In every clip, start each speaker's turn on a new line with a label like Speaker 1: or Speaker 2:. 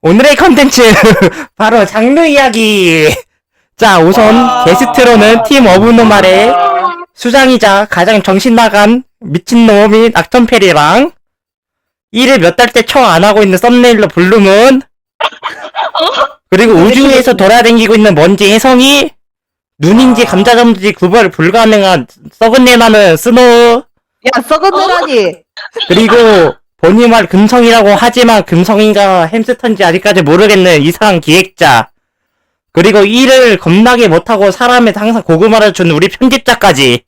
Speaker 1: 오늘의 컨텐츠 바로 장르 이야기. 자, 우선 게스트로는 팀 어브노말의 수장이자 가장 정신 나간 미친놈인 악턴페리랑 일을 몇 달째 청 안 하고 있는 썸네일러 블루문, 그리고 우주에서 돌아다니고 있는 먼지 혜성이, 눈인지 감자전지 구별 불가능한 썩은 내 나는 스노우,
Speaker 2: 야, 썩은 내라니.
Speaker 1: 그리고 본인 말 금성이라고 하지만 금성인가 햄스터인지 아직까지 모르겠는 이상한 기획자, 그리고 일을 겁나게 못하고 사람에 항상 고구마를 주는 우리 편집자까지.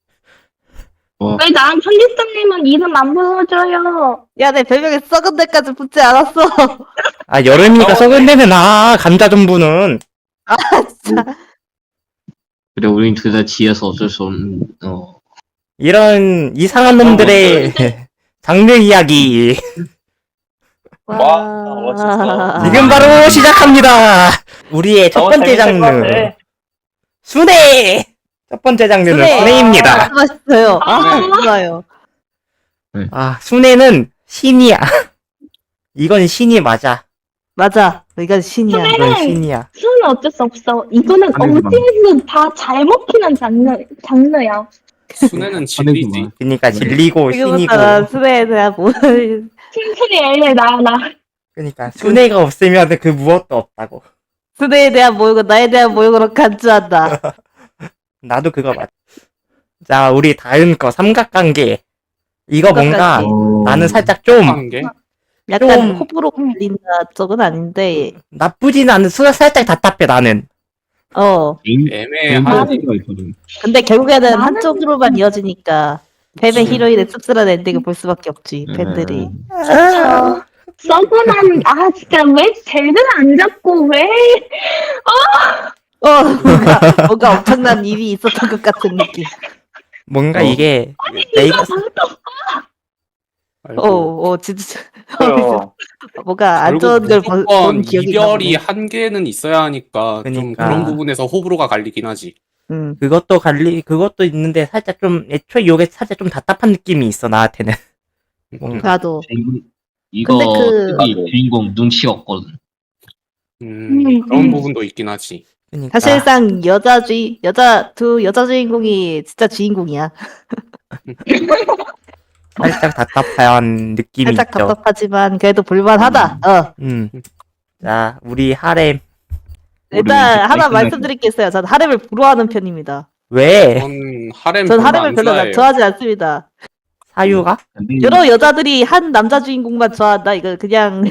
Speaker 3: 왜 난 편집자님은 이름 안 불러줘요?
Speaker 2: 야, 내 별명에 썩은 데까지 붙지 않았어.
Speaker 1: 아, 여름이니까 썩은 데는 감자전부는.
Speaker 2: 진짜.
Speaker 4: 그래, 우린 둘 다 지어서 어쩔 수 없는,
Speaker 1: 이런 이상한 놈들의 장르 이야기.
Speaker 5: 와, 멋있어.
Speaker 1: 지금 바로 시작합니다. 우리의 첫 번째 장르. 순회! 첫 번째 장르는
Speaker 2: 순회.
Speaker 1: 순회입니다.
Speaker 2: 맛있어요. 좋아요.
Speaker 1: 아, 순회는 신이야. 이건 신이 맞아.
Speaker 2: 맞아. 이건 신이야.
Speaker 1: 이건 신이야.
Speaker 3: 수는 어쩔 수 없어. 이거는 어디에서 다 잘 먹히는 장르야.
Speaker 5: 순애는 진리지.
Speaker 1: 그니까 진리고 신이고.
Speaker 2: 지금부터 난 수레에 대한 모든
Speaker 3: 칭찬이 엘레 나.
Speaker 1: 그니까 순회가 없으면 그 무엇도 없다고.
Speaker 2: 수레에 대한 모욕은 나에 대한 모욕으로 간주한다.
Speaker 1: 나도 그거 맞아. 자, 우리 다음 거 삼각관계. 이거 뭔가 나는 살짝 좀
Speaker 5: 한 게?
Speaker 2: 약간
Speaker 1: 좀-
Speaker 2: 호불호 갈린다 쪽은 아닌데,
Speaker 1: 나쁘진 않은 살짝 답답해 나는.
Speaker 5: 애매한.
Speaker 4: 개인기가 있거든.
Speaker 2: 근데 결국에는
Speaker 3: 나는-
Speaker 2: 한쪽으로만 이어지니까 뱀의 히로인의 씁쓸한 엔딩을 볼 수밖에 없지, 팬들이.
Speaker 3: 썩은한 진짜 왜 쟤를 안 잡고 왜?
Speaker 2: 뭔가 엄청난 일이 있었던 것 같은 느낌.
Speaker 1: 뭔가 이게 내가
Speaker 2: 진짜.
Speaker 5: 그래요.
Speaker 2: 뭔가 안
Speaker 5: 결국
Speaker 2: 좋은 걸
Speaker 5: 무조건
Speaker 2: 본 기억이
Speaker 5: 이별이
Speaker 2: 나네.
Speaker 5: 한계는 있어야 하니까 좀
Speaker 1: 그러니까.
Speaker 5: 그런 부분에서 호불호가 갈리긴 하지.
Speaker 1: 그것도 있는데 살짝 좀 애초에 요게 살짝 좀 답답한 느낌이 있어 나한테는. 뭔가.
Speaker 2: 나도.
Speaker 4: 이거,
Speaker 2: 근데
Speaker 4: 특히 주인공 눈치 없거든.
Speaker 5: 그런 부분도 있긴 하지.
Speaker 1: 그러니까.
Speaker 2: 사실상 두 여자 주인공이 진짜 주인공이야.
Speaker 1: 살짝 답답한 느낌이
Speaker 2: 살짝
Speaker 1: 있죠.
Speaker 2: 답답하지만 그래도 볼만하다.
Speaker 1: 자, 우리 하렘.
Speaker 2: 일단
Speaker 4: 우리
Speaker 2: 하나
Speaker 4: 끝나고.
Speaker 2: 말씀드릴 게 있어요. 전 하렘을 부러워하는 편입니다.
Speaker 1: 왜?
Speaker 5: 전 하렘
Speaker 2: 전
Speaker 5: 별로
Speaker 2: 하렘을
Speaker 5: 안
Speaker 2: 별로
Speaker 5: 좋아해요.
Speaker 2: 좋아하지 않습니다.
Speaker 1: 사유가?
Speaker 2: 여러 여자들이 한 남자 주인공만 좋아한다. 이거 그냥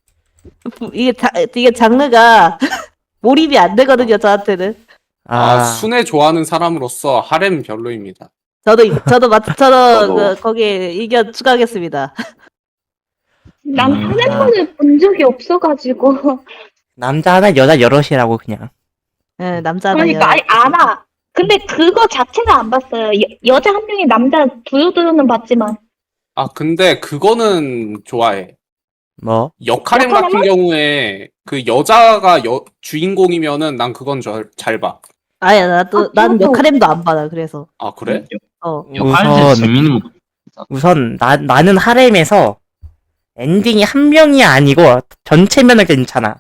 Speaker 2: 이게 장르가 몰입이 안 되거든요. 저한테는.
Speaker 5: 순애 좋아하는 사람으로서 하렘 별로입니다.
Speaker 2: 저도
Speaker 5: 저도.
Speaker 2: 거기에 의견 추가하겠습니다.
Speaker 3: 난
Speaker 4: 음.
Speaker 3: 하랜문을 본 적이 없어가지고.
Speaker 1: 남자 하나 여자 여럿이라고 그냥.
Speaker 2: 네, 남자나
Speaker 3: 그러니까 알아. 근데 그거 자체는 안 봤어요. 여자 한 명이 남자 두루두루는 봤지만.
Speaker 5: 근데 그거는 좋아해.
Speaker 1: 뭐?
Speaker 5: 역하렘 같은 경우에 그 여자가 주인공이면은 난 그건 잘 봐.
Speaker 2: 아야 나도 난
Speaker 3: 그것도-
Speaker 2: 역할엠도 안 받아. 그래서
Speaker 5: 아, 그래?
Speaker 4: 역할도 재밌는 거.
Speaker 1: 우선 나는 하렘에서 엔딩이 한 명이 아니고 전체면은 괜찮아.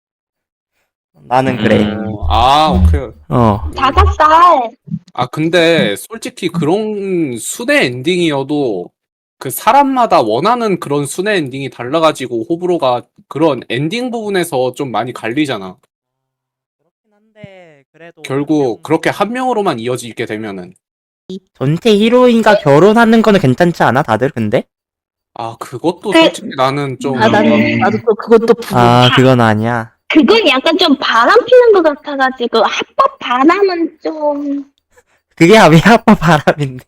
Speaker 1: 나는 그래.
Speaker 5: 오케이.
Speaker 3: 5살.
Speaker 5: 근데 솔직히 그런 순애 엔딩이어도 그 사람마다 원하는 그런 순애 엔딩이 달라가지고 호불호가 그런 엔딩 부분에서 좀 많이 갈리잖아.
Speaker 1: 그렇긴 한데 그래도
Speaker 5: 결국 그렇게 한 명으로만 이어지게 되면은.
Speaker 1: 전체 히로인과 결혼하는 거는 괜찮지 않아 다들 근데?
Speaker 5: 그것도
Speaker 3: 그-
Speaker 5: 솔직히 나는 좀.
Speaker 2: 나도 또 그것도
Speaker 1: 그건 아니야.
Speaker 3: 그건 약간 좀 바람 피는 것 같아가지고 합법 바람은 좀.
Speaker 1: 그게 왜 아빠 바람인데?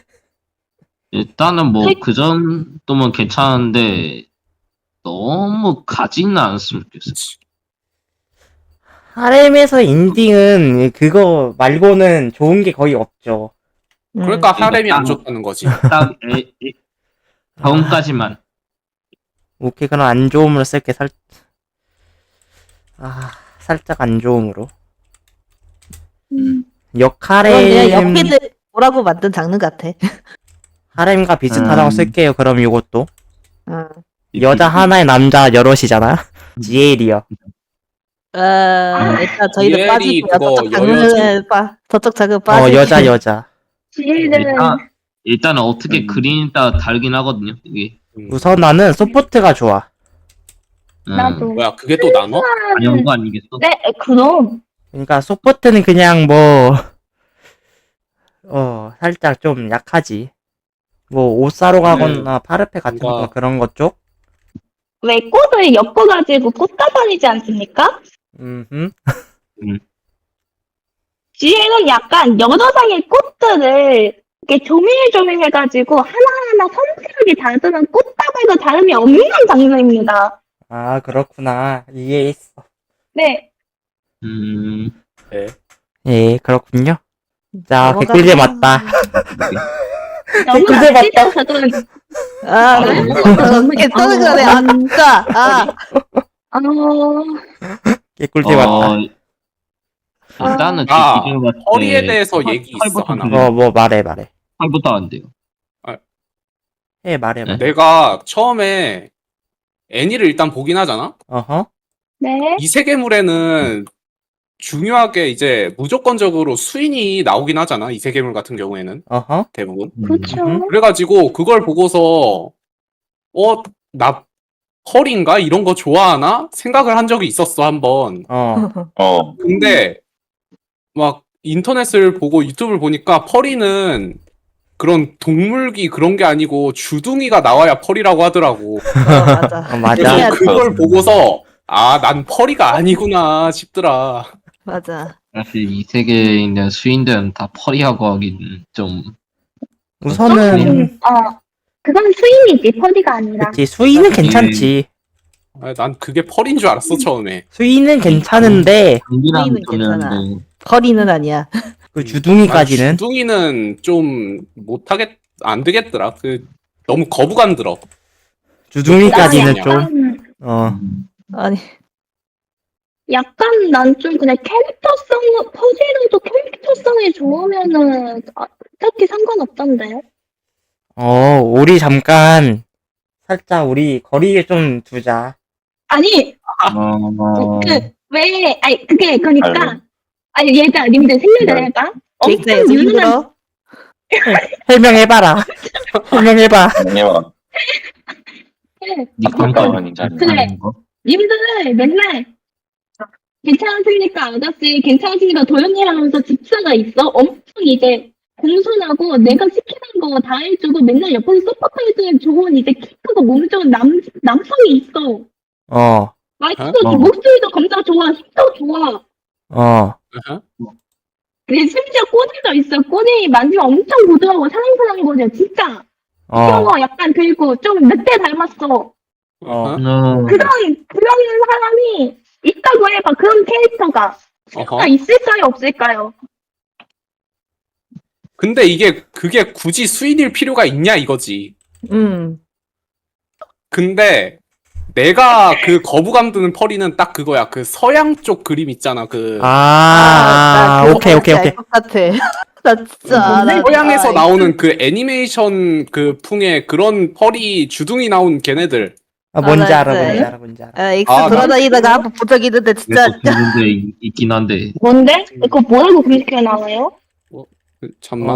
Speaker 4: 일단은 그 정도면 괜찮은데, 너무 가지는 않았으면 좋겠어.
Speaker 1: 하렘에서 엔딩은 그거 말고는 좋은 게 거의 없죠.
Speaker 5: 그러니까 하렘이 안
Speaker 4: 딱-
Speaker 5: 좋다는 거지.
Speaker 4: 딱, 다음까지만.
Speaker 1: 오케이, 그럼 안 좋음으로 쓸게. 살짝 안 좋음으로.
Speaker 2: 그건 그냥
Speaker 1: 역하렘
Speaker 2: 옆에들 뭐라고 만든 장르 같아.
Speaker 1: 하렘과 비슷하다고 쓸게요. 그럼 이것도
Speaker 2: 어.
Speaker 1: 여자 하나에 남자 여럿이잖아. 지엘이요.
Speaker 2: 일단 저희는
Speaker 5: 이엘이
Speaker 2: 빠지고요.
Speaker 5: 그거
Speaker 2: 저쪽 장르는 저쪽 장르 빠지.
Speaker 1: 여자.
Speaker 3: 지혜는
Speaker 4: 일단은 어떻게 그린에 따라 다르긴 하거든요. 이게
Speaker 1: 우선 나는 소포트가 좋아.
Speaker 3: 나도.
Speaker 5: 뭐야 그게 또 나눠?
Speaker 4: 당연한 거 아니겠어?
Speaker 3: 네, 그럼.
Speaker 1: 그러니까 소포트는 그냥 살짝 좀 약하지. 뭐 옷 사러 가거나 파르페 같은 거
Speaker 5: 뭔가-
Speaker 1: 그런 것 쪽.
Speaker 3: 왜 꽃을 엮어가지고 꽂다 다니지 않습니까?
Speaker 1: 음.
Speaker 3: 지혜는 약간 여러 장의 꽃들을 이렇게 조밀조밀해가지고 하나하나 섬세하게 다듬은 꽃다발과 다름이 없는 장르입니다.
Speaker 1: 아, 그렇구나. 이해했어.
Speaker 3: 네.
Speaker 5: 네.
Speaker 1: 예, 그렇군요. 자,
Speaker 2: 넘어가자.
Speaker 1: 개꿀잼 맞다.
Speaker 3: 너무
Speaker 1: 그제 맞다.
Speaker 3: 저는
Speaker 2: 어떻게 떠는 거네. 아, 진짜.
Speaker 1: 개꿀잼 맞다.
Speaker 4: 일단은 제
Speaker 3: 아,
Speaker 4: 기준으로 봤을 때
Speaker 5: 허리에 대해서 얘기 있어
Speaker 4: 팔부터
Speaker 5: 하나.
Speaker 4: 그래요.
Speaker 1: 말해.
Speaker 4: 팔부터 안 돼요.
Speaker 1: 말해.
Speaker 4: 네?
Speaker 5: 내가 처음에 애니를 일단 보긴 하잖아.
Speaker 1: 어허.
Speaker 3: 네.
Speaker 5: 이 세계물에는 중요하게 이제 무조건적으로 수인이 나오긴 하잖아. 이 세계물 같은 경우에는
Speaker 1: 어허.
Speaker 5: 대부분.
Speaker 3: 그렇죠.
Speaker 5: 그래가지고 그걸 보고서 나 펄인가 이런 거 좋아하나 생각을 한 적이 있었어 한번. 근데 막 인터넷을 보고 유튜브를 보니까 펄이는 그런 동물기 그런 게 아니고 주둥이가 나와야 펄이라고 하더라고.
Speaker 2: 맞아.
Speaker 1: 맞아.
Speaker 5: 그래서
Speaker 2: 야,
Speaker 5: 그걸 보고서 난 펄이가 아니구나 싶더라.
Speaker 2: 맞아.
Speaker 4: 사실 이 세계에 있는 수인들은 다 펄이하고 하긴 좀
Speaker 1: 우선은
Speaker 3: 그건 수인이지, 퍼디가 아니라.
Speaker 1: 그치, 수위는 괜찮지.
Speaker 5: 난 그게 펄인 줄 알았어 처음에.
Speaker 1: 수위는 괜찮은데
Speaker 4: 강기랑
Speaker 2: 수인은 괜찮아.
Speaker 4: 좀
Speaker 2: 허리는 아니야.
Speaker 1: 그 주둥이까지는
Speaker 5: 주둥이는 좀 안 되겠더라. 그 너무 거부감 들어.
Speaker 1: 주둥이까지는
Speaker 5: 나
Speaker 1: 좀
Speaker 2: 아니,
Speaker 3: 약간 난 좀 그냥 퍼디라도 캐릭터성이 좋으면은 딱히 상관없던데.
Speaker 1: 우리 잠깐 살짝 우리 거리에 좀 두자.
Speaker 3: 아니, 그러니까, 얘들아, 님들 생각을 해봐.
Speaker 2: 계획자
Speaker 3: 엄청
Speaker 2: 여자
Speaker 3: 유능한,
Speaker 2: 힘들어.
Speaker 1: 설명해봐라. 설명해봐.
Speaker 4: 니 감각
Speaker 3: 그래. 님들 맨날, 괜찮으십니까, 아저씨? 괜찮으십니까? 도현이랑 하면서 집사가 있어? 엄청 이제, 공손하고 내가 시키는 거 다 해주고 맨날 옆에서 서포트 해주는 좋은 이제 키 크고 몸 좋은 남성이 있어. 말투도
Speaker 5: 어?
Speaker 3: 목소리도 검사 좋아, 힘도 좋아. 근데 심지어 꼬리도 있어. 꼬리 만지면 엄청 고소하고 사랑스러운 거죠, 진짜. 귀여워, 약간 그리고 좀 늑대 닮았어. 그런 사람이 있다고 해봐. 그런 캐릭터가 있을까요, 없을까요?
Speaker 5: 근데 그게 굳이 수인일 필요가 있냐 이거지. 근데 내가 그 거부감 드는 펄이는 딱 그거야. 그 서양 쪽 그림 있잖아.
Speaker 1: 오케이.
Speaker 2: 알것 같아. 나 진짜.
Speaker 5: 서양에서 나오는 그 애니메이션 그 풍의 그런 펄이 주둥이 나온 걔네들.
Speaker 1: 뭔지
Speaker 2: 나
Speaker 1: 알아.
Speaker 2: 엑스
Speaker 5: 나
Speaker 2: 돌아다니다가 한번 본 적 있는데 진짜.
Speaker 4: 그래서 그 문제 있긴 한데
Speaker 3: 뭔데? 그거 뭐라고 그렇게 나와요?
Speaker 5: 잠만.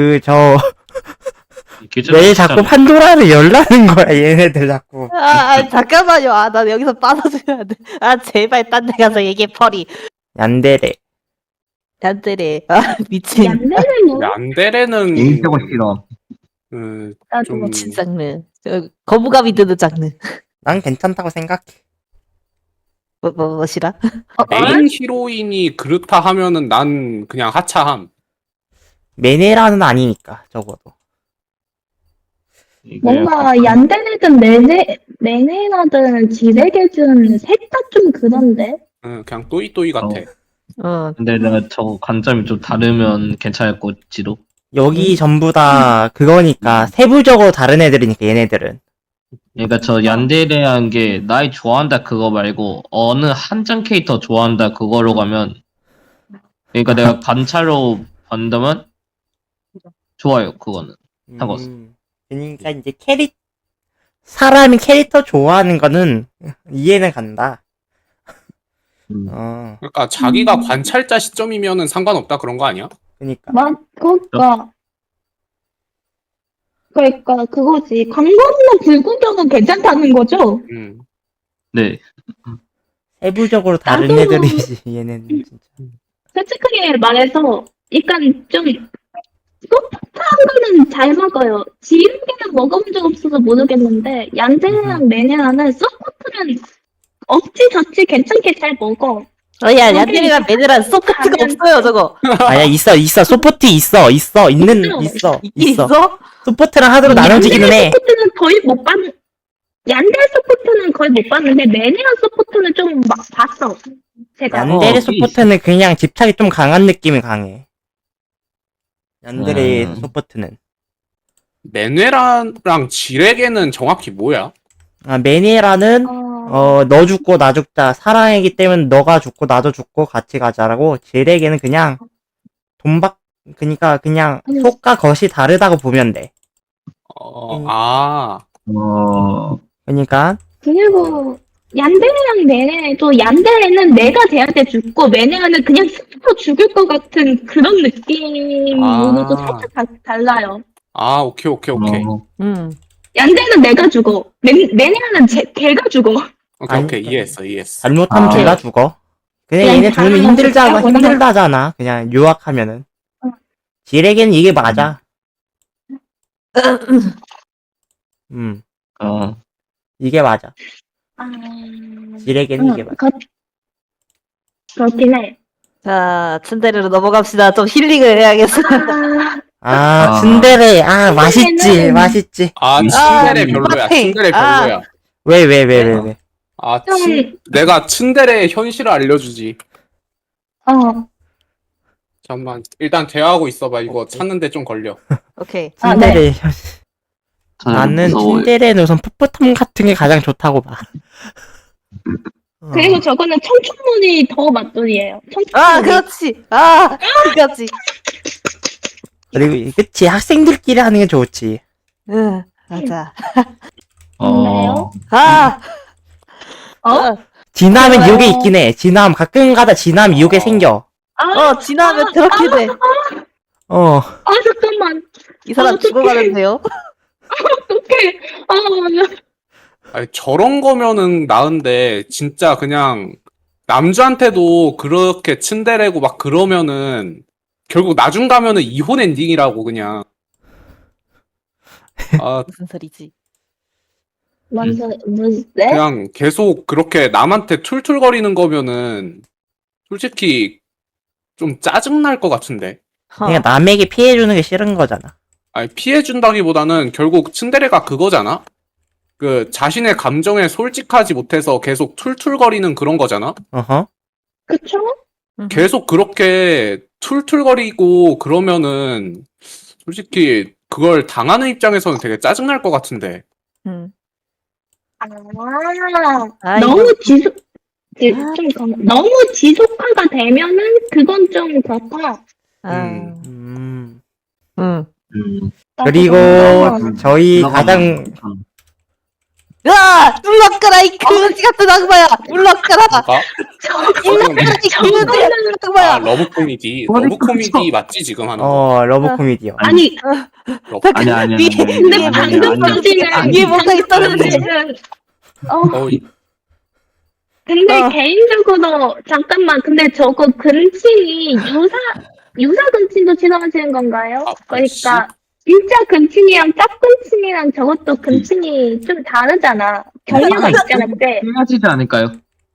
Speaker 1: 왜 자꾸 판도라를 열라는 거야, 얘네들 자꾸.
Speaker 2: 잠깐만요. 나 여기서 빠져줘야 돼. 제발 딴 데 가서 얘기해, 펄이.
Speaker 1: 얀데레.
Speaker 2: 얀데레. 미친.
Speaker 3: 얀데레는
Speaker 5: 얀데레는
Speaker 4: 인격을 싫어.
Speaker 3: 나도
Speaker 5: 좀
Speaker 2: 미친 장르. 거부감이 드는 장르.
Speaker 1: 난 괜찮다고 생각해.
Speaker 2: 뭐시라?
Speaker 5: 메인 히로인이 그렇다 하면은 난 그냥 하차함.
Speaker 1: 메네라는 아니니까, 적어도.
Speaker 3: 뭔가 얀데레든 메네라든 지레게든 셋 다 좀 그런데.
Speaker 5: 그냥 또이또이 같아.
Speaker 4: 근데 내가 저 관점이 좀 다르면 괜찮을지도.
Speaker 1: 여기 전부 다 그거니까, 세부적으로 다른 애들이니까, 얘네들은.
Speaker 4: 그러니까 저 얀데레한 게 나이 좋아한다 그거 말고 어느 한정 캐릭터 좋아한다 그거로 가면 그러니까 내가 관찰로 본다면 좋아요 그거는. 상관없어.
Speaker 1: 그러니까 이제 사람이 캐릭터 좋아하는 거는 이해는 간다.
Speaker 5: 그러니까 자기가 관찰자 시점이면은 상관없다 그런 거 아니야?
Speaker 1: 그니까.
Speaker 3: 그러니까 그거지. 광고나 불구경은 괜찮다는 거죠?
Speaker 4: 네.
Speaker 1: 세부적으로 다른
Speaker 3: 나도-
Speaker 1: 애들이지, 얘는 진짜.
Speaker 3: 솔직하게 말해서 약간 좀 소프트한 거는 잘 먹어요. 지름개는 먹어본 적 없어서 모르겠는데 얀데랑 메네라는 소프트는 어찌저찌 괜찮게 잘 먹어.
Speaker 2: 야, 얀데리랑 메드란 소프트가
Speaker 3: 가면-
Speaker 2: 없어요, 저거.
Speaker 1: 아니야, 있어. 소포트 있어. 있어.
Speaker 2: 있긴 있어?
Speaker 1: 소포트랑 하드로 나눠지기는 해.
Speaker 3: 소프트는 거의 못 봤는. 얀데 소프트는 거의 못 봤는데 메네라 소프트는 좀 막 봤어. 제가.
Speaker 1: 얀데레
Speaker 4: 어,
Speaker 1: 소포트는 그냥 집착이 좀 강한 느낌이 강해. 얀데레
Speaker 4: 음.
Speaker 1: 소포트는.
Speaker 5: 메네라랑 지레게는 정확히 뭐야?
Speaker 1: 메니에라는 너 죽고 나 죽자. 사랑이기 때문에 너가 죽고 나도 죽고 같이 가자라고. 지레게는 그냥 그니까 그냥 속과 겉이 다르다고 보면 돼. 그니까
Speaker 3: 그리고 얀데레랑 메네도 얀데레는 내가 쟤한테 죽고 메네라는 그냥 스스로 죽을 것 같은 그런 느낌으로도
Speaker 5: 아.
Speaker 3: 살짝 달라요.
Speaker 5: 오케이.
Speaker 3: 얀데는 내가 죽어. 메네라는 걔가 죽어.
Speaker 5: 오케이. 이해했어.
Speaker 1: 잘못하면
Speaker 4: 아.
Speaker 1: 둘 다 죽어. 그냥
Speaker 3: 그냥
Speaker 1: 얘네 둘은
Speaker 3: 다른 거보다-
Speaker 1: 힘들다잖아. 그냥 유학하면은. 지레게는 이게 맞아. 이게 맞아. 지레게는 이게 맞아.
Speaker 3: 그렇긴 해.
Speaker 2: 자, 츤데레로 넘어갑시다. 좀 힐링을 해야겠어.
Speaker 1: 츤데레. 맛있지.
Speaker 3: 츤데레는-
Speaker 1: 맛있지.
Speaker 5: 츤데레 별로야.
Speaker 2: 빡팽.
Speaker 5: 츤데레 별로야.
Speaker 1: 왜.
Speaker 5: 내가 츤데레의 현실을 알려주지. 잠깐만. 일단 대화하고 있어봐. 이거 찾는데 좀 걸려.
Speaker 2: 오케이.
Speaker 1: 츤데레.
Speaker 4: 저는
Speaker 1: 나는
Speaker 4: 무서워요.
Speaker 1: 츤데레는 우선 풋풋함 같은 게 가장 좋다고 봐.
Speaker 3: 그리고 저거는 청춘문이 더 맛돌이에요.
Speaker 2: 그렇지. 그렇지.
Speaker 1: 그리고 그치 학생들끼리 하는 게 좋지.
Speaker 2: 응, 맞아.
Speaker 3: 맞나요?
Speaker 1: 진화하면
Speaker 3: 좋아요.
Speaker 1: 이게 있긴 해. 진화하면 가끔가다 진화하면 이게 생겨.
Speaker 2: 지나면 그렇게 돼.
Speaker 3: 잠깐만.
Speaker 2: 이 사람
Speaker 3: 어떡해.
Speaker 2: 죽어가는데요?
Speaker 3: 어떡해.
Speaker 5: 아니, 저런 거면은 나은데 진짜 그냥 남주한테도 그렇게 츤데레고 막 그러면은 결국 나중 가면은 이혼 엔딩이라고 그냥.
Speaker 2: 무슨 소리지?
Speaker 3: 무슨,
Speaker 5: 그냥 계속 그렇게 남한테 툴툴거리는 거면은 솔직히 좀 짜증날 것 같은데.
Speaker 1: 그냥 남에게 피해주는 게 싫은 거잖아.
Speaker 5: 아니, 피해준다기보다는 결국 츤데레가 그거잖아? 그 자신의 감정에 솔직하지 못해서 계속 툴툴거리는 그런 거잖아?
Speaker 1: 어허.
Speaker 3: 그쵸?
Speaker 5: 계속 그렇게 툴툴거리고 그러면은 솔직히 그걸 당하는 입장에서는 되게 짜증날 것 같은데.
Speaker 3: 너무 너무 지속화가 되면은 그건 좀 그렇다.
Speaker 1: 그리고 저희 가장
Speaker 2: 물러가라 이 그지 같은 악마야. 물러가라.
Speaker 5: 뭐가?
Speaker 2: 악마야.
Speaker 5: 러브 코미디. 러브 코미디 맞지 지금 하는 거?
Speaker 1: 러브 코미디요.
Speaker 3: 아니,
Speaker 4: 아니야.
Speaker 3: 근데 방금까지는
Speaker 2: 이게 뭔가 있었는데.
Speaker 3: 근데 개인적으로 잠깐만, 근데 저거 근친이 유사 근친도 지나가시는 건가요? 그러니까 진짜 근친이랑 짝근친이랑 저것도 근친이 좀 다르잖아. 경우가 있잖아. 근데
Speaker 4: 틀려지지 않을까요?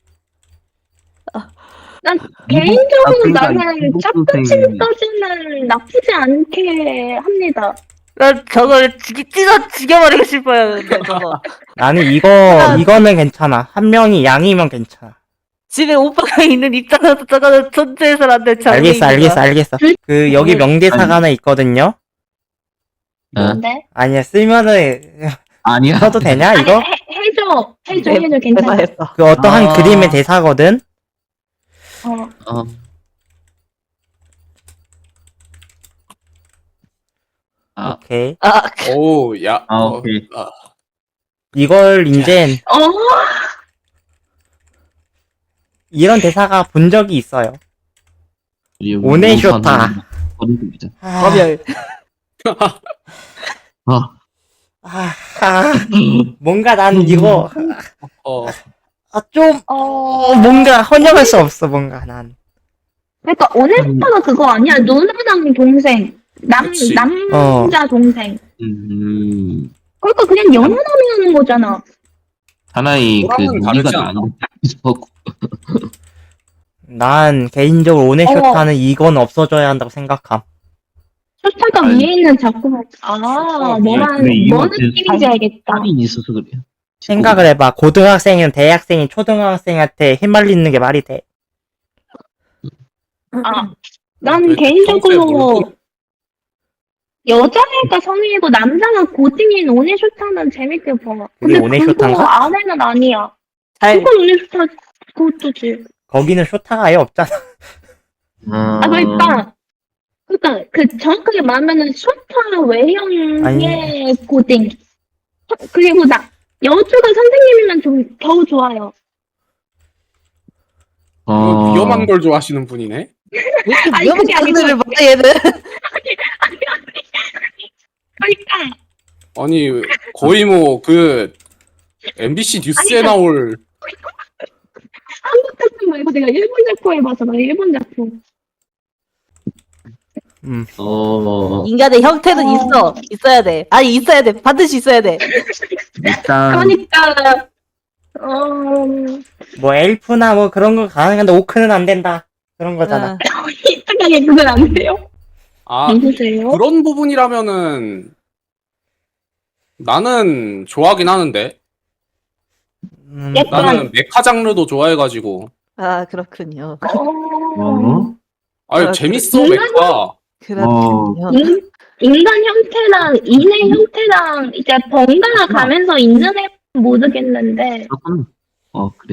Speaker 3: 난 개인적으로
Speaker 4: 그러니까
Speaker 3: 나는
Speaker 4: 이분
Speaker 3: 짝근친까지는 나쁘지 않게 합니다.
Speaker 2: 난 저걸 죽여버리고 싶어요. 근데 저거.
Speaker 1: 나는 이거는 괜찮아. 한 명이 양이면 괜찮아.
Speaker 2: 집에 오빠가 있는 입장에서 저거는 존재해서는 안 될
Speaker 1: 알겠어. 그 여기 명대사가 하나 있거든요.
Speaker 3: 뭔데?
Speaker 1: 아니야 쓰면은
Speaker 4: 아니야.
Speaker 1: 써도 되냐
Speaker 3: 아니,
Speaker 1: 이거?
Speaker 3: 해줘 괜찮아.
Speaker 1: 그 어떠한 그림의 대사거든. 오케이.
Speaker 5: 오, 야.
Speaker 4: 오케이.
Speaker 1: 이걸 이제 이런 대사가 본 적이 있어요.
Speaker 4: 그리고
Speaker 1: 오네
Speaker 4: 우선은
Speaker 1: 쇼타.
Speaker 4: 버리자.
Speaker 1: 아,
Speaker 2: 거별.
Speaker 4: 아,
Speaker 1: 뭔가 난 이거
Speaker 5: 어,
Speaker 1: 좀 뭔가 헌정할 수 없어 뭔가 난.
Speaker 3: 그러니까 오네스타가 그거 아니야. 누나랑 동생.
Speaker 5: 그치.
Speaker 3: 남자 동생.
Speaker 4: 음,
Speaker 3: 그러니까 그냥 연하남이 하는 거잖아.
Speaker 4: 하나의 그
Speaker 5: 호랑은
Speaker 4: 논리가
Speaker 5: 다르지 않나?
Speaker 4: 나뉘고
Speaker 1: 난 개인적으로 오네
Speaker 3: 어.
Speaker 1: 쇼타는 이건 없어져야 한다고 생각함.
Speaker 3: 쇼타가
Speaker 4: 아니.
Speaker 3: 위에 있는 작품.
Speaker 4: 근데 이거
Speaker 3: 뭔
Speaker 4: 그
Speaker 3: 느낌인지 알겠다.
Speaker 4: 살이 있어서 그래요.
Speaker 1: 생각을 해봐. 고등학생이랑 대학생이 초등학생한테 휘말리는 게 말이 돼.
Speaker 3: 난
Speaker 5: 왜
Speaker 3: 개인적으로
Speaker 5: 평소에
Speaker 3: 여자애가 성인이고 남자가 고딩인 오네쇼타는 재밌게 봐.
Speaker 1: 그게
Speaker 3: 근데
Speaker 1: 오네쇼타인가?
Speaker 3: 그거 안에는 아니야.
Speaker 2: 잘
Speaker 3: 그건 오네쇼타 그것도지.
Speaker 1: 거기는 쇼타가 아예 없잖아.
Speaker 3: 그러니까 그 정확하게 말하면은 쇼타 외형의 고딩. 그리고 여주가 선생님이면 좀 겨우 좋아요.
Speaker 4: 어,
Speaker 5: 위험한 걸 좋아하시는 분이네.
Speaker 2: 왜 이렇게
Speaker 3: 아니,
Speaker 2: 위험한
Speaker 3: 그게 아니고-
Speaker 2: 장르를 봐 얘는.
Speaker 3: 그러니까
Speaker 5: 아니 거의 뭐 그 MBC 뉴스에
Speaker 3: 아니,
Speaker 5: 나올
Speaker 3: 한국 작품 말고 내가 일본 작품 해봐서 나 일본 작품.
Speaker 2: 인간의 형태는 있어야 돼. 아니 있어야 돼. 반드시 있어야 돼.
Speaker 4: 일단
Speaker 3: 그러니까
Speaker 1: 뭐 엘프나 뭐 그런 거 가능한데 오크는 안 된다. 그런 거잖아.
Speaker 3: 이상하게 그건 안 돼요.
Speaker 5: 아
Speaker 3: 누구세요?
Speaker 5: 그런 부분이라면은 나는 좋아하긴 하는데
Speaker 3: 약간
Speaker 5: 나는 메카 장르도 좋아해가지고
Speaker 2: 아 그렇군요.
Speaker 5: 아니
Speaker 2: 아,
Speaker 5: 재밌어
Speaker 3: 그래?
Speaker 5: 메카.
Speaker 2: 그렇군요.
Speaker 3: 인간 형태랑 인의 형태랑 이제 번갈아 가면서 있는 애 모르겠는데
Speaker 4: 조금 그래.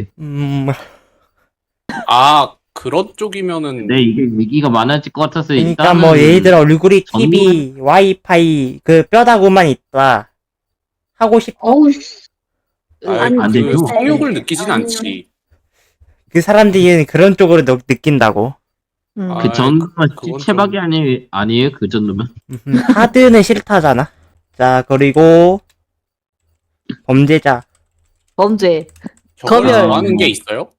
Speaker 5: 아 그런 쪽이면은
Speaker 4: 근데 이게 얘기가 많아질 것 같아서
Speaker 1: 그러니까
Speaker 4: 일단은
Speaker 1: 뭐 예를 들어 얼굴이
Speaker 4: 전문-
Speaker 1: TV, 와이파이 그 뼈다구만 있다. 하고 싶어.
Speaker 3: 어우 씨.
Speaker 5: 아이,
Speaker 4: 안
Speaker 5: 그
Speaker 4: 되죠.
Speaker 5: 성욕을 느끼진 않지.
Speaker 1: 그 사람들이 그런 쪽으로 느낀다고.
Speaker 5: 아,
Speaker 4: 그 정도면
Speaker 5: 그건
Speaker 4: 체박이 아니에요 그 정도면.
Speaker 1: 하드는 싫다잖아. 자 그리고 범죄자.
Speaker 2: 범죄.
Speaker 5: 저걸
Speaker 2: 검열.
Speaker 5: 좋아하는 게 있어요?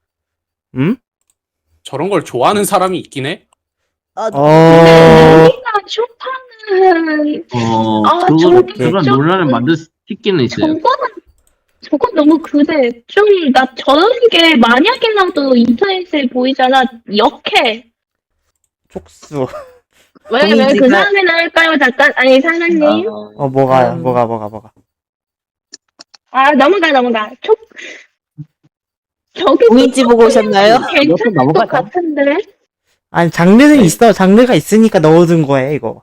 Speaker 5: 저런 걸 좋아하는 사람이 있긴 해?
Speaker 2: 아,
Speaker 1: 어.
Speaker 3: 여기가 쇼파는
Speaker 4: 그런
Speaker 3: 좀-
Speaker 4: 논란을 만들 수 있기는 있어요.
Speaker 3: 저건 너무 그래. 좀 나 저런 게 만약이라도 인터넷에 보이잖아. 역해.
Speaker 1: 촉수.
Speaker 3: 왜 그
Speaker 2: 공인지가-
Speaker 3: 다음에 나올까요? 잠깐 아니 사장님.
Speaker 1: 뭐가
Speaker 2: 음.
Speaker 1: 뭐가.
Speaker 3: 넘어가. 저기
Speaker 2: 공인지 보고 오셨나요?
Speaker 3: 괜찮을 것 같은데.
Speaker 1: 아니 장르는 있어. 장르가 있으니까 넣어둔 거야 이거.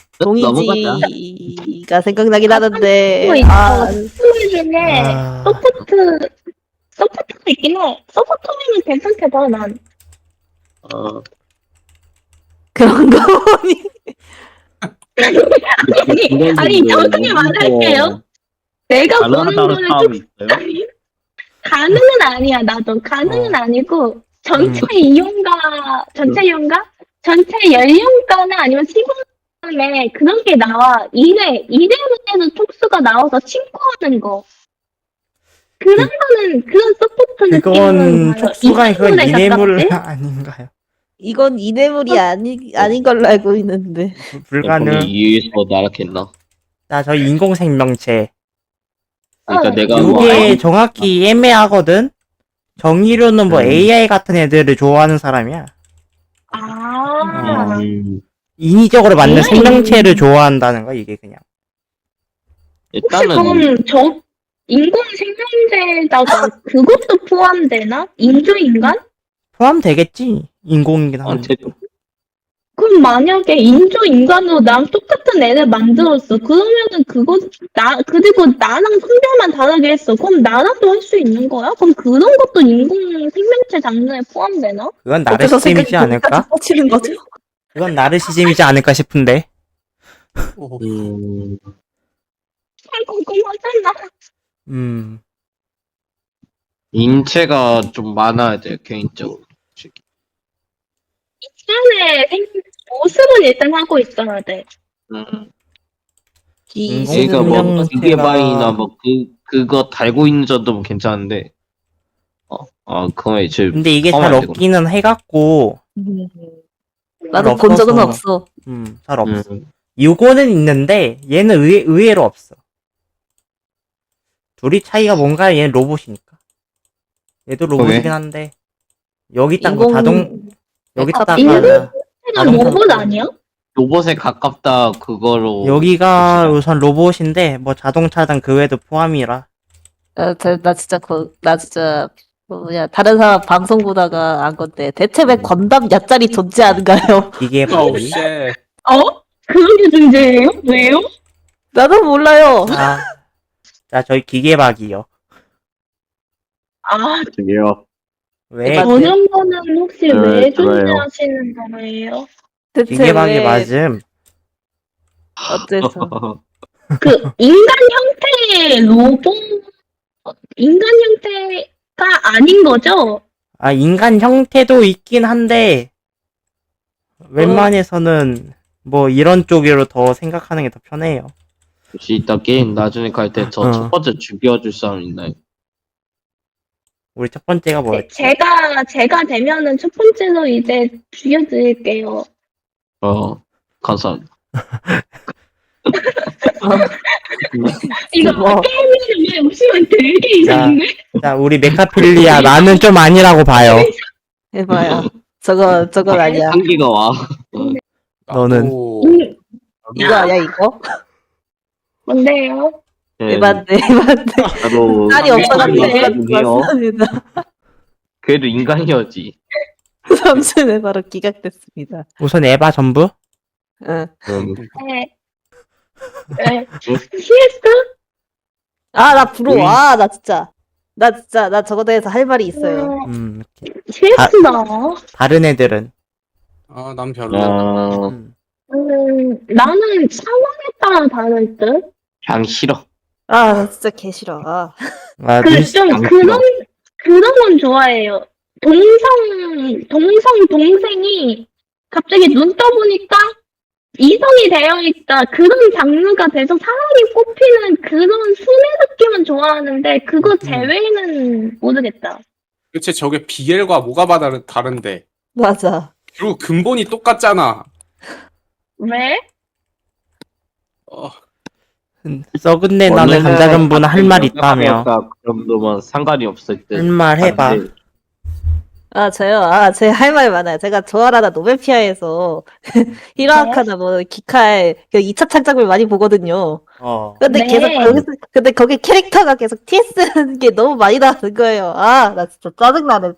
Speaker 2: 동이지가 생각나긴 하는데.
Speaker 3: 또 있어.
Speaker 2: 아,
Speaker 3: 스토리 중에
Speaker 1: 아,
Speaker 3: 서포트가 있긴 해. 서포트면 괜찮게 봐 난.
Speaker 2: 그런 거 보니.
Speaker 3: 아니 정확하게 말할게요. 내가 보는 거는 좀
Speaker 4: 있어요?
Speaker 3: 가능은 아니야. 나도 가능은 아니고 전체 전체 연령가나 아니면 시간에 그런 게 나와. 이래에는 촉수가 나와서 친구하는 거. 그런 서포트 느낌은
Speaker 1: 그건
Speaker 3: 봐요.
Speaker 1: 촉수가 그건
Speaker 3: 이내물에
Speaker 1: 이뇌물
Speaker 3: 가깝지?
Speaker 1: 아닌가요?
Speaker 2: 이건 이뇌물이 아닌 걸로 알고 있는데.
Speaker 1: 불가능.
Speaker 4: 이에서 나락했나?
Speaker 1: 나 저 인공생명체.
Speaker 4: 그러니까
Speaker 3: 어,
Speaker 4: 내가
Speaker 1: 이게 정확히 애매하거든. 정의로는 뭐
Speaker 4: 음.
Speaker 1: AI 같은 애들을 좋아하는 사람이야.
Speaker 3: 아,
Speaker 1: 인위적으로 만든
Speaker 3: AI?
Speaker 1: 생명체를 좋아한다는 거 이게 그냥.
Speaker 3: 혹시
Speaker 4: 일단은
Speaker 3: 그럼 저 인공 생명체에다가 그것도 포함되나? 인조인간?
Speaker 1: 포함되겠지. 인공이긴
Speaker 4: 아,
Speaker 1: 한데.
Speaker 3: 그럼 만약에 인조인간으로 나랑 똑같은 애를 만들었어. 그러면은 그리고 나랑 성별만 다르게 했어. 그럼 나랑도 할 수 있는 거야? 그럼 그런 것도 인공 생명체 장르에 포함되나?
Speaker 1: 그건
Speaker 2: 어째서
Speaker 1: 나르시즘이지
Speaker 2: 생각이
Speaker 1: 않을까?
Speaker 2: 뻗치는 거죠?
Speaker 1: 그건 나르시즘이지 않을까 싶은데.
Speaker 3: 잘 궁금하잖아.
Speaker 4: 인체가 좀 많아야 돼요, 개인적으로.
Speaker 3: 일단의 모습은 일단 하고 있어야 돼.
Speaker 4: 그러니까 뭐
Speaker 1: 인공지능
Speaker 4: 기계바이나
Speaker 1: 형태가-
Speaker 4: 뭐 그거 달고 있는 정도면 괜찮은데 그거 제
Speaker 1: 근데 이게
Speaker 4: 포함이
Speaker 1: 잘
Speaker 4: 안 되구나.
Speaker 1: 없기는 해갖고
Speaker 2: 나도 본 적은
Speaker 1: 없어서.
Speaker 2: 없어.
Speaker 1: 잘 없어.
Speaker 4: 음.
Speaker 1: 요거는 있는데 얘는 의외로 없어. 둘이 차이가 뭔가 얘는 로봇이니까. 얘도 로봇이긴 한데 여기 딱 뭐 여기다가
Speaker 3: 인공지능
Speaker 1: 자동차-
Speaker 3: 로봇 아니야?
Speaker 4: 로봇에 가깝다 그거로
Speaker 1: 여기가
Speaker 4: 봅시다.
Speaker 1: 우선 로봇인데 뭐 자동차든 그 외에도 포함이라.
Speaker 2: 나 진짜 나 진짜 뭐냐 다른 사람 방송 보다가 안 건데 대체 왜 건담 야짤이 존재하는가요?
Speaker 1: 기계
Speaker 5: 어우
Speaker 1: 바퀴.
Speaker 5: 쉣.
Speaker 3: 그런 게 존재해요? 왜요?
Speaker 2: 나도 몰라요.
Speaker 1: 자 저희 기계 박이요.
Speaker 4: 저기요.
Speaker 1: 왜
Speaker 2: 맞-
Speaker 3: 저런 거는 혹시
Speaker 4: 네,
Speaker 3: 왜
Speaker 4: 좋아요.
Speaker 3: 존재하시는 거예요?
Speaker 2: 대체
Speaker 1: 기계 박이
Speaker 2: 왜
Speaker 1: 맞음.
Speaker 2: 어째서?
Speaker 3: 그 인간 형태의 로봇, 인간 형태가 아닌 거죠?
Speaker 1: 아 인간 형태도 있긴 한데 웬만해서는 뭐 이런 쪽으로 더 생각하는 게 더 편해요.
Speaker 4: 혹시 이따 게임 나중에 갈 때 저 첫 번째 죽여줄 사람 있나요?
Speaker 1: 우리 첫 번째가 뭐였지?
Speaker 3: 제가 되면은 첫 번째로 이제 죽여드릴게요.
Speaker 4: 감사합니다.
Speaker 3: 이거
Speaker 2: 뭐.
Speaker 3: 게임이 왜 웃으면 되게 이상한데?
Speaker 1: 자 우리 메카필리아 나는 좀 아니라고 봐요.
Speaker 2: 해봐요. 저건 아니야.
Speaker 4: 한기가 와.
Speaker 1: 너는?
Speaker 5: 나도-
Speaker 2: 이거 아니야 이거?
Speaker 3: 뭔데요?
Speaker 4: 네,
Speaker 2: 에반데.
Speaker 4: 나도
Speaker 2: 딸이 없어가지고
Speaker 4: 인간이에요.
Speaker 2: 맞습니다.
Speaker 4: 그래도 인간이었지.
Speaker 2: 삼촌에 바로 기각됐습니다.
Speaker 1: 우선 에바 전부?
Speaker 2: 응.
Speaker 3: 네. 네. CS?
Speaker 2: 나 부러워. 나 저거 대해서 할 말이 있어요.
Speaker 3: CS다.
Speaker 1: 다른 애들은
Speaker 5: 난 별로.
Speaker 3: 나는 상황에 따라 다를 듯?
Speaker 4: 그냥 싫어.
Speaker 2: 나 진짜 개 싫어.
Speaker 3: 좀
Speaker 4: 안
Speaker 3: 그런 건 좋아해요. 동생이 갑자기 눈 떠보니까 이성이 되어 있다. 그런 장르가 돼서 사람이 꼽히는 그런 순애 느낌은 좋아하는데, 그거 제외는 모르겠다.
Speaker 5: 그치 저게 BL과 뭐가 다른데
Speaker 2: 맞아.
Speaker 5: 결국 근본이 똑같잖아.
Speaker 3: 왜?
Speaker 1: 썩은 내 나는 감자 전부는 할 말 있다며.
Speaker 4: 그 정도면 상관이 없을 듯.
Speaker 1: 할 말 해봐.
Speaker 2: 저요. 제 할 말 많아요. 제가 좋아하다 노벨피아에서 히로아카나 뭐 기카의 그 2차 창작을 많이 보거든요. 근데
Speaker 3: 네.
Speaker 2: 계속 근데 거기 캐릭터가 계속 TS는 게 너무 많이 나오는 거예요. 나 진짜 짜증나네.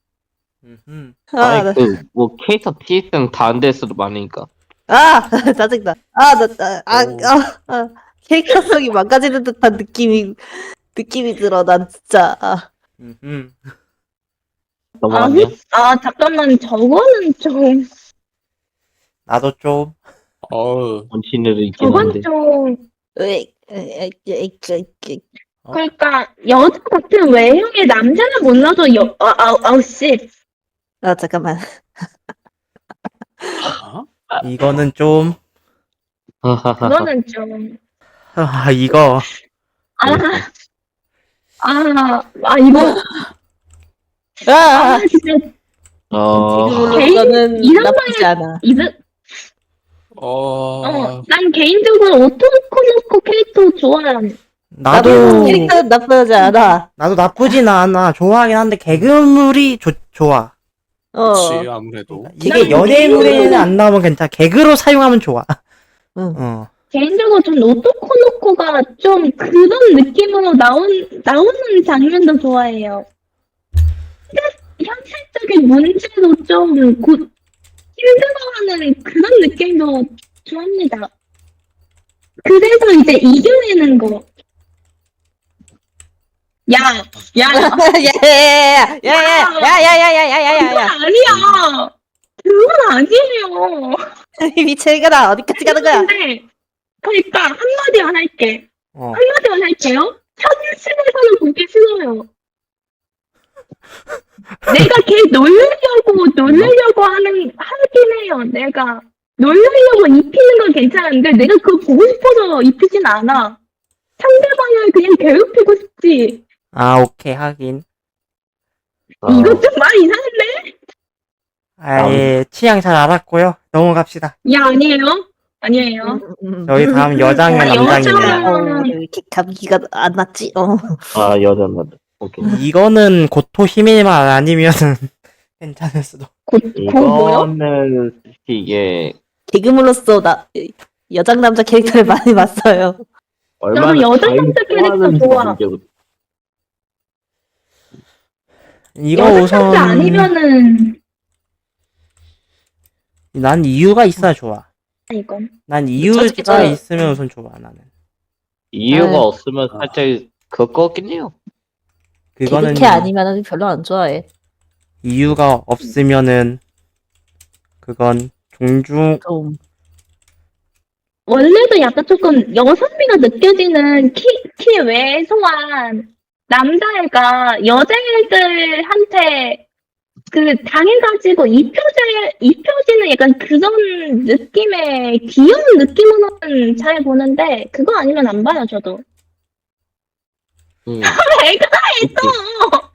Speaker 4: 아니 뭐 캐릭터 TS는 다른 데서도 많으니까.
Speaker 2: 짜증나. 캐릭터성이 망가지는 듯한 느낌이 들어. 난 진짜.
Speaker 4: 넘어갔냐?
Speaker 3: 잠깐만, 저거는 좀,
Speaker 1: 나도 좀
Speaker 4: 원신으로 있긴
Speaker 3: 저건
Speaker 4: 한데.
Speaker 3: 좀,
Speaker 2: 으이,
Speaker 3: 그러니까, 여자 같은 외형의 남자는 몰라도, 씨.
Speaker 2: 잠깐만.
Speaker 1: 이거는 좀
Speaker 3: 그거는 좀,
Speaker 1: 이거
Speaker 3: 이거, 진짜,
Speaker 2: 지금으로서는
Speaker 3: 이런
Speaker 2: 나쁘지 않아.
Speaker 3: 난 개인적으로 오토코노코 캐릭터 좋아해.
Speaker 1: 나도
Speaker 2: 캐릭터는 나쁘지 않아.
Speaker 1: 나도 나쁘진 않아. 좋아하긴 한데 개그물이 좋아.
Speaker 5: 그치 아무래도.
Speaker 1: 이게 연예인물에는 안 나오면 괜찮아. 개그로 사용하면 좋아.
Speaker 3: 개인적으로 좀 오토코노코가 좀 그런 느낌으로 나오는 장면도 좋아해요. 현실적인 문제도 좀 힘들어하는 그런 느낌도 좋아합니다. 그래서 이제 이겨내는 거. 그건 아니야. 그건 아니에요.
Speaker 2: 미칠거나 어디까지 가는 거야?
Speaker 3: 근데 그러니까 한마디만 할게.
Speaker 1: 어.
Speaker 3: 한마디만 할게요. 현실에서는 보기 싫어요. 내가 걔 놀려고 하긴 해요. 내가 놀려고 입히는 건 괜찮은데 내가 그거 보고 싶어서 입히진 않아. 상대방을 그냥 괴롭히고 싶지.
Speaker 1: 아, 오케이, 하긴.
Speaker 3: 이것 좀 많이 이상한데?
Speaker 1: 아예 취향 잘 알았고요. 넘어갑시다.
Speaker 3: 야, 아니에요.
Speaker 1: 저희 다음 여장의
Speaker 3: 아,
Speaker 1: 남장이네요.
Speaker 3: 여장.
Speaker 2: 왜 이렇게 감기가 안 났지?
Speaker 6: 아, 여자만. 오케이.
Speaker 1: 이거는 고토 히밀만 아니면은 괜찮을 수도.
Speaker 3: 뭐요?
Speaker 6: 이거는 솔직히 이게
Speaker 2: 개그물로서 여장 남자 캐릭터를 많이 봤어요.
Speaker 6: 얼마나
Speaker 3: 여자
Speaker 6: 자기를
Speaker 3: 남자 캐릭터
Speaker 6: 좋아하는지
Speaker 3: 좋아.
Speaker 6: 문제고.
Speaker 1: 이거
Speaker 3: 여자
Speaker 1: 우선
Speaker 3: 남자 아니면은
Speaker 1: 난 이유가 있어야 좋아.
Speaker 3: 이건.
Speaker 1: 난 이유가
Speaker 2: 솔직히 저는-
Speaker 1: 있으면 우선 좋아 나는.
Speaker 6: 이유가
Speaker 2: 아유.
Speaker 6: 없으면 살짝 그거 같긴 해요.
Speaker 1: 그거는
Speaker 2: 개그캐 아니면은 별로 안 좋아해.
Speaker 1: 이유가 없으면은 그건 종중
Speaker 2: 좀
Speaker 3: 원래도 약간 조금 여성미가 느껴지는 키 왜소한 남자애가 여자애들한테 당해가지고 입혀지는 약간 그런 느낌의 귀여운 느낌으로는 잘 보는데 그거 아니면 안 봐요 저도. 애가 했어.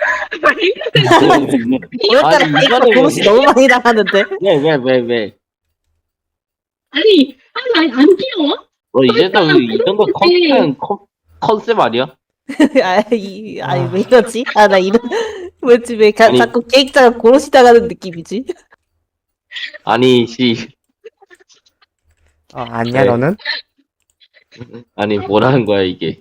Speaker 2: 오늘따라
Speaker 6: 아니,
Speaker 2: 이거
Speaker 6: 이거는
Speaker 2: 보시 너무 많이 나가는데.
Speaker 6: 왜?
Speaker 3: 아니 안 귀여워?
Speaker 6: 이제도 이 정도 컨셉 아니야?
Speaker 2: 왜 이러지? 나 이런 뭐지 왜
Speaker 6: 아니.
Speaker 2: 자꾸 계획자가 고로시 당하는 느낌이지?
Speaker 6: 아니,
Speaker 1: 아니야
Speaker 6: 네.
Speaker 1: 너는
Speaker 6: 아니, 뭐라는 거야, 이게.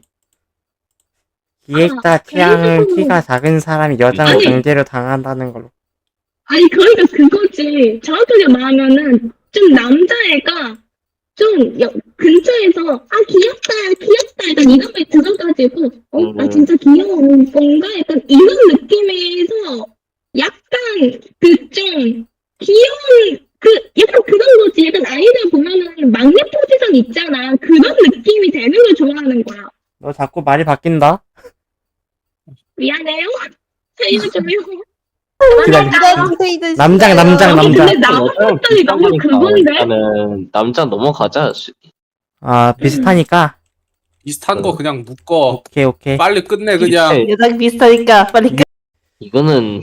Speaker 1: 기획자 취향은
Speaker 3: 그래서-
Speaker 1: 키가 작은 사람이 여장을
Speaker 3: 아니.
Speaker 1: 강제로 당한다는 걸로.
Speaker 3: 아니 그러니까 그거지. 정확하게 말하면은 좀 남자애가 좀 근처에서 귀엽다 약간 이런 말 들어가지고 나 진짜 귀여운 건가 약간 이런 느낌에서 약간 좀 귀여운 약간 그런 거지. 약간 아이들 보면은 막내 포지션 있잖아. 그런 느낌이 되는 걸 좋아하는 거야.
Speaker 1: 너 자꾸 말이 바뀐다.
Speaker 3: 미안해요. 살려줘요.
Speaker 1: 기다려. 남장.
Speaker 3: 아니,
Speaker 1: 남장.
Speaker 3: 근데 나만
Speaker 6: 여자랑
Speaker 3: 봤더니 너무
Speaker 6: 비슷하니까
Speaker 3: 그건데?
Speaker 6: 일단은 남자 넘어가자.
Speaker 1: 아 비슷하니까.
Speaker 5: 비슷한 거 그냥 묶어.
Speaker 1: 오케이.
Speaker 5: 빨리 끝내 그냥.
Speaker 2: 여장 비슷하니까 빨리 끝.
Speaker 6: 이거는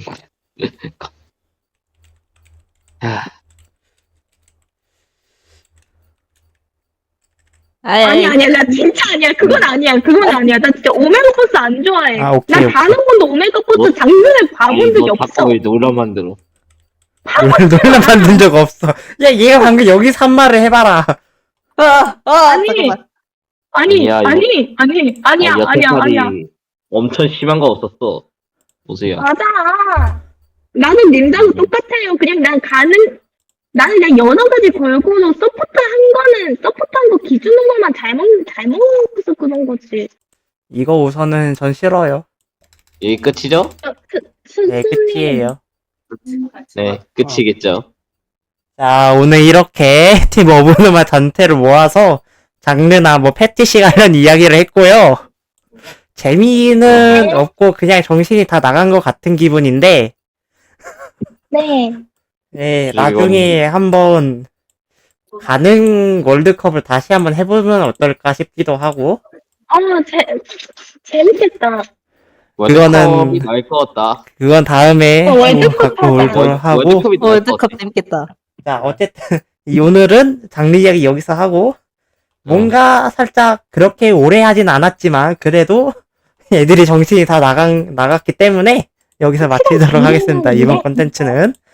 Speaker 6: 야,
Speaker 3: 아니야, 나 진짜 아니야. 그건 아니야. 나 진짜 오메가 버스 안 좋아해.
Speaker 1: 아, 오케이,
Speaker 3: 난
Speaker 1: 오케이.
Speaker 3: 단 한 번도 오메가 버스
Speaker 6: 뭐?
Speaker 3: 장면을 봐본 적이
Speaker 6: 너
Speaker 3: 없어.
Speaker 6: 자꾸 왜 놀라 만들어?
Speaker 1: 놀라 만든 적 없어. 야 얘가 방금 여기서 한 말을 해봐라.
Speaker 3: 아니,
Speaker 2: 잠깐만.
Speaker 3: 아니야.
Speaker 6: 여태까지 엄청 심한 거 없었어. 보세요.
Speaker 3: 맞아. 나는 님들하고 똑같아요. 그냥 나는 그냥 여러 가지 걸고도 서포트한 거 기준으로만 잘 먹어서 그런 거지.
Speaker 1: 이거 우선은 전 싫어요.
Speaker 6: 여기 끝이죠?
Speaker 1: 네 끝이에요.
Speaker 6: 네, 끝이겠죠.
Speaker 1: 자 오늘 이렇게 팀 오브누마 전체를 모아서 장르나 뭐 패티시 관련 이야기를 했고요. 재미는 없고 그냥 정신이 다 나간 것 같은 기분인데
Speaker 3: 네.
Speaker 1: 네,
Speaker 6: 이건-
Speaker 1: 나중에 한번 가능 월드컵을 다시 한번 해보면 어떨까 싶기도 하고
Speaker 3: 재밌겠다.
Speaker 1: 그거는-
Speaker 6: 나을 것 같다.
Speaker 1: 그건 다음에
Speaker 3: 월드컵
Speaker 1: 갖고
Speaker 3: 하자.
Speaker 1: 올도록 하고
Speaker 6: 월드컵이 나을 것
Speaker 2: 월드컵
Speaker 6: 같아.
Speaker 2: 재밌겠다.
Speaker 1: 자 어쨌든 오늘은 장르 이야기 여기서 하고 뭔가 살짝 그렇게 오래 하진 않았지만 그래도 애들이 정신이 다 나갔기 때문에 여기서 마치도록 하겠습니다. 이번 컨텐츠는